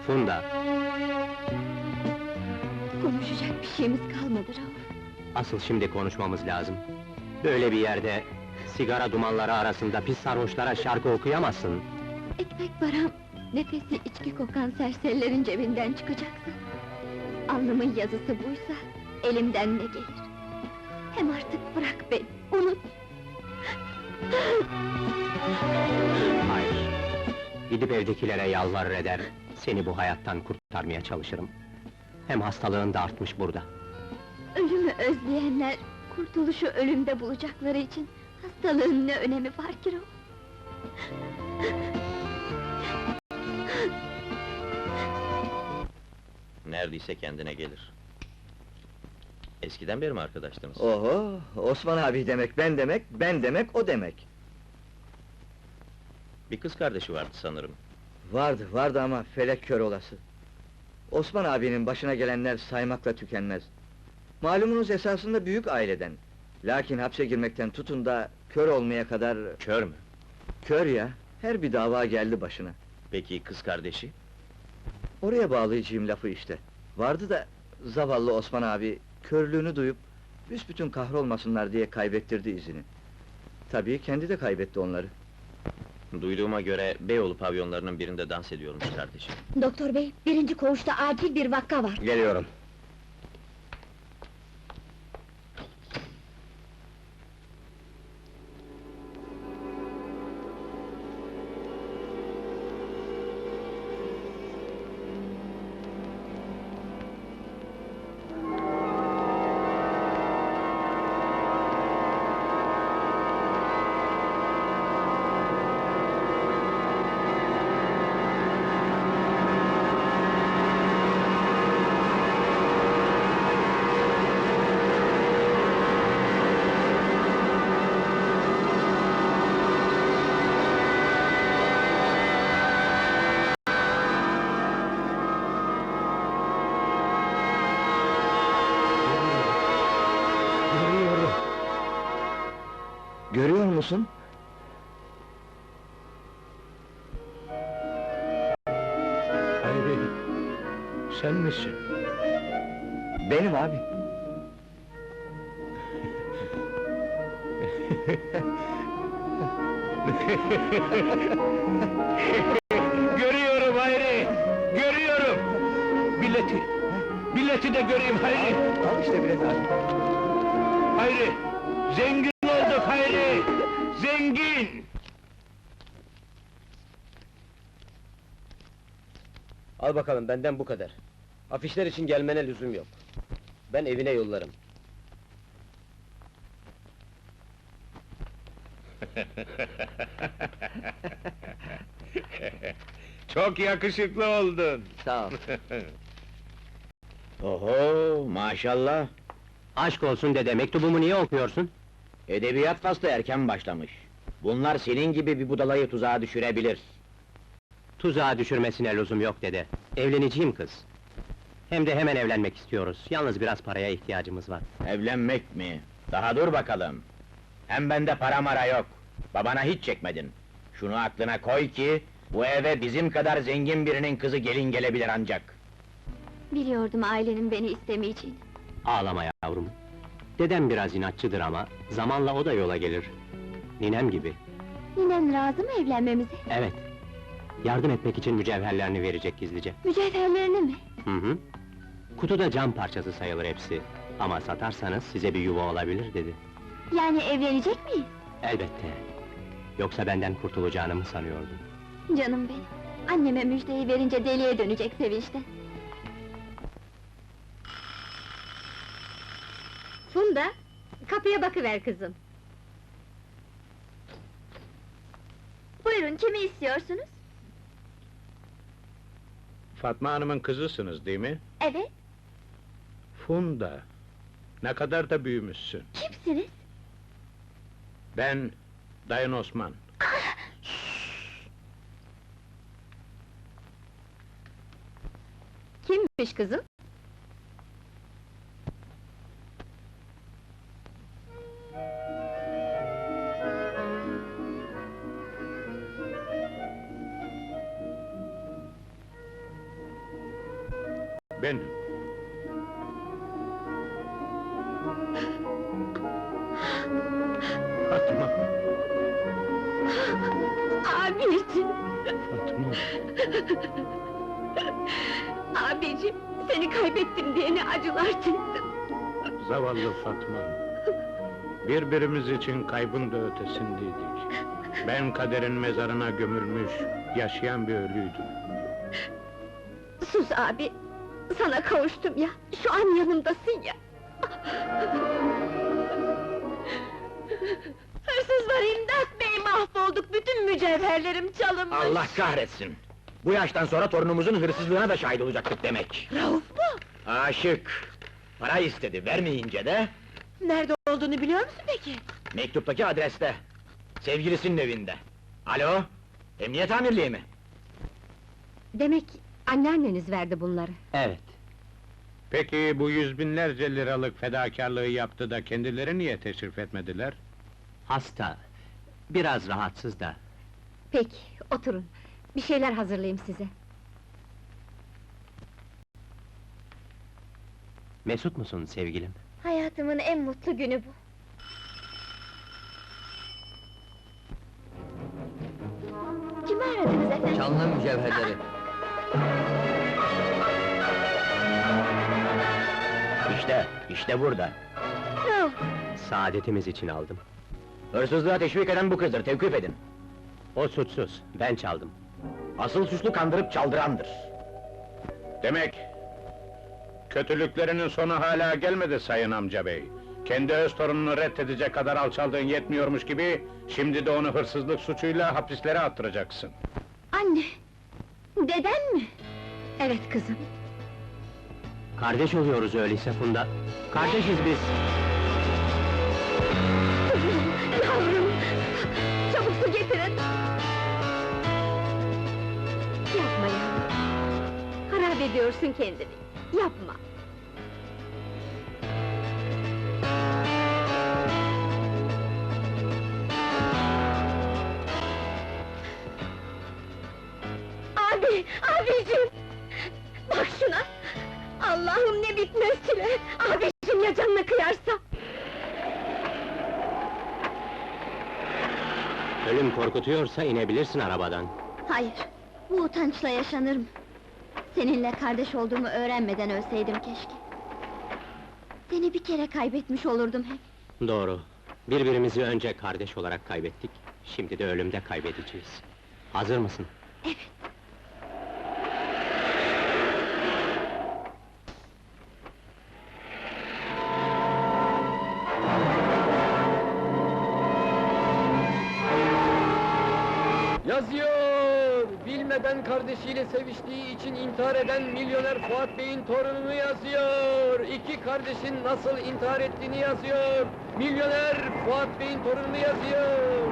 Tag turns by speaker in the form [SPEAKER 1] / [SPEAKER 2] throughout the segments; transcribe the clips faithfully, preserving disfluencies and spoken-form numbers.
[SPEAKER 1] Funda,
[SPEAKER 2] Konuşacak bir şeyimiz kalmadı Rauf.
[SPEAKER 1] asıl şimdi konuşmamız lazım. Böyle bir yerde, sigara dumanları arasında pis sarhoşlara şarkı okuyamazsın.
[SPEAKER 2] Ekmek param, nefesi içki kokan serserilerin cebinden çıkacaksa... ...alnımın yazısı buysa, elimden ne gelir? Hem artık bırak beni, unut!
[SPEAKER 1] Hayır, gidip evdekilere yalvarır eder, seni bu hayattan kurtarmaya çalışırım. Hem hastalığın da artmış burada.
[SPEAKER 2] Ölümü özleyenler, kurtuluşu ölümde bulacakları için... ...hastalığın ne önemi var ki Rauf?
[SPEAKER 3] Neredeyse kendine gelir. Eskiden beri mi arkadaştınız?
[SPEAKER 4] Oho, Osman abi demek, ben demek, ben demek, o demek.
[SPEAKER 3] Bir kız kardeşi vardı sanırım.
[SPEAKER 4] Vardı, vardı ama felek kör olası. Osman abinin başına gelenler saymakla tükenmez. Malumunuz esasında büyük aileden. Lakin hapse girmekten tutun da kör olmaya kadar...
[SPEAKER 3] Kör mü?
[SPEAKER 4] Kör ya, her bir dava geldi başına.
[SPEAKER 3] Peki kız kardeşi?
[SPEAKER 4] Oraya bağlayacağım lafı işte. Vardı da zavallı Osman abi körlüğünü duyup büsbütün kahrolmasınlar diye kaybettirdi izini. Tabii kendi de kaybetti onları.
[SPEAKER 3] Duyduğuma göre Beyoğlu pavyonlarının birinde dans ediyormuş kardeşi.
[SPEAKER 2] Doktor bey, birinci koğuşta acil bir vaka var.
[SPEAKER 1] Geliyorum. Görüyorum.
[SPEAKER 4] Görüyor musun?
[SPEAKER 1] Hayri, sen misin?
[SPEAKER 4] Benim abi.
[SPEAKER 1] Görüyorum Hayri! Görüyorum! Bileti! Bileti de göreyim Hayri!
[SPEAKER 4] Al işte bilet abi.
[SPEAKER 1] Hayri! Zengin olduk Hayri! Zengin!
[SPEAKER 5] Al bakalım, benden bu kadar. Afişler için gelmene lüzum yok. Ben evine yollarım.
[SPEAKER 1] Çok yakışıklı oldun!
[SPEAKER 4] Sağ ol.
[SPEAKER 3] Oho, maşallah!
[SPEAKER 1] Aşk olsun dede, mektubumu niye okuyorsun?
[SPEAKER 3] Edebiyat faslı erken başlamış. Bunlar senin gibi bir budalayı tuzağa düşürebilir.
[SPEAKER 1] Tuzağa düşürmesine lüzum yok dede. Evleneceğim kız. Hem de hemen evlenmek istiyoruz. Yalnız biraz paraya ihtiyacımız var.
[SPEAKER 3] Evlenmek mi? Daha dur bakalım! Hem bende para mara yok. Babana hiç çekmedin. Şunu aklına koy ki, bu eve bizim kadar zengin birinin kızı gelin gelebilir ancak.
[SPEAKER 2] Biliyordum ailenin beni istemeyeceğini.
[SPEAKER 1] Ağlama yavrum. Dedem biraz inatçıdır ama, zamanla o da yola gelir. Ninem gibi.
[SPEAKER 2] Ninen razı mı evlenmemize?
[SPEAKER 1] Evet. Yardım etmek için mücevherlerini verecek gizlice.
[SPEAKER 2] Mücevherlerini mi?
[SPEAKER 1] Hı hı. Kutuda cam parçası sayılır hepsi. Ama satarsanız size bir yuva olabilir dedi.
[SPEAKER 2] Yani evlenecek miyiz?
[SPEAKER 1] Elbette. Yoksa benden kurtulacağını mı sanıyordun?
[SPEAKER 2] Canım benim. Anneme müjdeyi verince deliye dönecek sevinçten. Funda, kapıya bakıver kızım. Buyurun, kimi istiyorsunuz?
[SPEAKER 6] Fatma Hanım'ın kızısınız değil mi?
[SPEAKER 2] Evet,
[SPEAKER 6] Funda. Ne kadar da büyümüşsün.
[SPEAKER 2] kimsiniz?
[SPEAKER 6] Ben, Dayın Osman.
[SPEAKER 2] Kimmiş kızım?
[SPEAKER 6] Benim. Fatma,
[SPEAKER 2] Abicim!
[SPEAKER 6] Fatma.
[SPEAKER 2] Abicim, seni kaybettim diye ne acılar çektim.
[SPEAKER 6] Zavallı Fatma. Birbirimiz için kaybın da ötesindeydik. Ben kaderin mezarına gömülmüş, yaşayan bir ölüydüm.
[SPEAKER 2] Sus abi! Sana kavuştum ya, şu an yanımdasın ya! Hırsızlar imdat bey, mahvolduk, bütün mücevherlerim çalınmış!
[SPEAKER 3] Allah kahretsin! Bu yaştan sonra torunumuzun hırsızlığına da şahit olacaktık demek.
[SPEAKER 2] Rauf mu?
[SPEAKER 3] Aşık! Para istedi, vermeyince de...
[SPEAKER 2] Nerede olduğunu biliyor musun peki?
[SPEAKER 3] Mektuptaki adreste. Sevgilisinin evinde. Alo? Emniyet amirliği mi?
[SPEAKER 2] Demek anneanneniz verdi bunları.
[SPEAKER 1] Evet.
[SPEAKER 6] Peki bu yüz binlerce liralık fedakarlığı yaptı da kendileri niye teşrif etmediler?
[SPEAKER 1] Hasta. Biraz rahatsız da.
[SPEAKER 2] Peki, oturun. Bir şeyler hazırlayayım size.
[SPEAKER 1] Mesut musun sevgilim?
[SPEAKER 2] Hayatımın en mutlu günü bu. Kimi aradınız efendim?
[SPEAKER 4] Canlı mücevherleri.
[SPEAKER 3] İşte, işte burada.
[SPEAKER 2] Rauf!
[SPEAKER 1] Saadetimiz için aldım.
[SPEAKER 3] Hırsızlığa teşvik eden bu kızdır, tevkif edin.
[SPEAKER 1] O suçsuz, ben çaldım.
[SPEAKER 3] Asıl suçlu kandırıp çaldırandır.
[SPEAKER 6] Demek... kötülüklerinin sonu hala gelmedi sayın amca bey. Kendi öz torununu reddedecek kadar alçaldığın yetmiyormuş gibi... şimdi de onu hırsızlık suçuyla hapislere attıracaksın.
[SPEAKER 2] Anne! Deden mi? Evet kızım.
[SPEAKER 1] Kardeş oluyoruz öyleyse Funda. Kardeşiz biz.
[SPEAKER 2] Yavrum! Çabuk su getirin! Yapma yavrum! Harap ediyorsun kendini, yapma! Abi, abicim! Bak şuna! Allah'ım ne bitmez çile! Abicim ya canına kıyarsa!
[SPEAKER 1] Ölüm korkutuyorsa inebilirsin arabadan.
[SPEAKER 2] Hayır, bu utançla yaşanır mı? Seninle kardeş olduğumu öğrenmeden ölseydim keşke. Seni bir kere kaybetmiş olurdum hep.
[SPEAKER 1] Doğru. Birbirimizi önce kardeş olarak kaybettik. Şimdi de ölümde kaybedeceğiz. Hazır mısın?
[SPEAKER 2] Evet.
[SPEAKER 5] Yazıyor! Bilmeden kardeşiyle seviştiği için intihar eden milyoner Fuat Bey'in torununu yazıyor! İki kardeşin nasıl intihar ettiğini yazıyor! Milyoner Fuat Bey'in torununu yazıyor!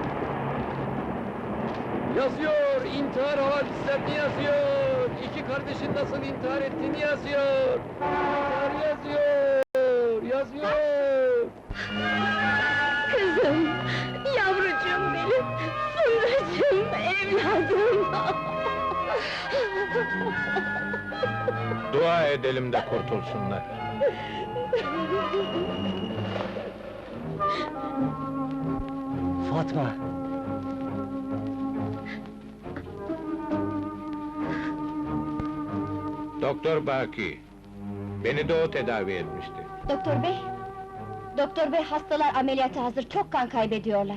[SPEAKER 5] Yazıyor! İntihar havadislerini yazıyor! İki kardeşin nasıl intihar ettiğini yazıyor! İntihar yazıyor! Yazıyor!
[SPEAKER 2] Kızım, yavrucuğum benim, Fundacığım, evladım!
[SPEAKER 6] Dua edelim de kurtulsunlar.
[SPEAKER 1] Fatma!
[SPEAKER 6] Doktor Baki, beni de o tedavi etmişti.
[SPEAKER 2] Doktor bey, doktor bey hastalar ameliyata hazır, çok kan kaybediyorlar.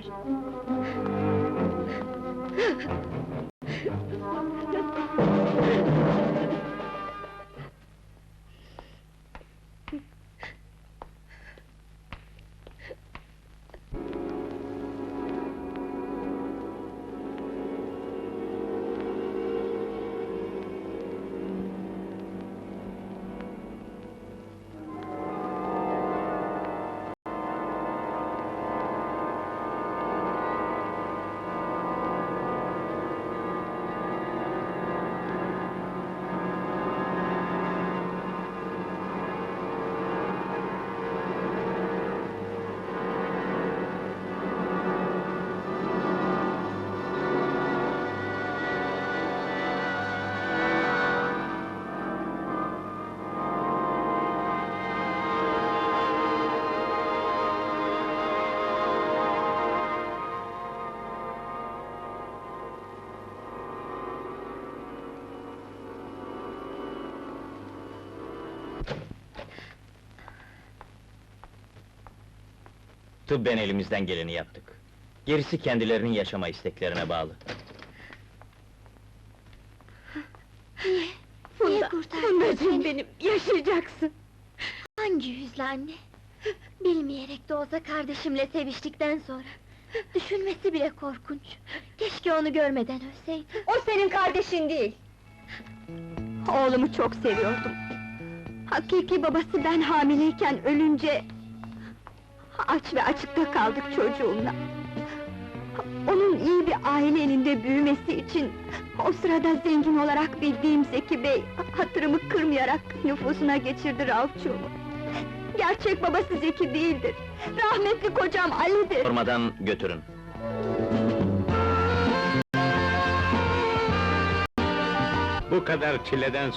[SPEAKER 3] Tıbben elimizden geleni yaptık. Gerisi kendilerinin yaşama isteklerine bağlı.
[SPEAKER 2] Niye
[SPEAKER 7] Funda,
[SPEAKER 2] kurtardın
[SPEAKER 7] Fundacığım
[SPEAKER 2] seni?
[SPEAKER 7] benim, yaşayacaksın!
[SPEAKER 2] Hangi yüzle anne? Bilmeyerek de olsa kardeşimle seviştikten sonra... Düşünmesi bile korkunç. Keşke onu görmeden ölseydim.
[SPEAKER 7] O senin kardeşin değil! Oğlumu çok seviyordum. Hakiki babası ben hamileyken ölünce... Aç ve açıkta kaldık çocuğumla. Onun iyi bir aile elinde büyümesi için... O sırada zengin olarak bildiğim Zeki Bey... Hatırımı kırmayarak nüfusuna geçirdi Raufçuğumu. Gerçek babası Zeki değildir. Rahmetli kocam Ali'dir.
[SPEAKER 3] Sormadan götürün.
[SPEAKER 6] Bu kadar çileden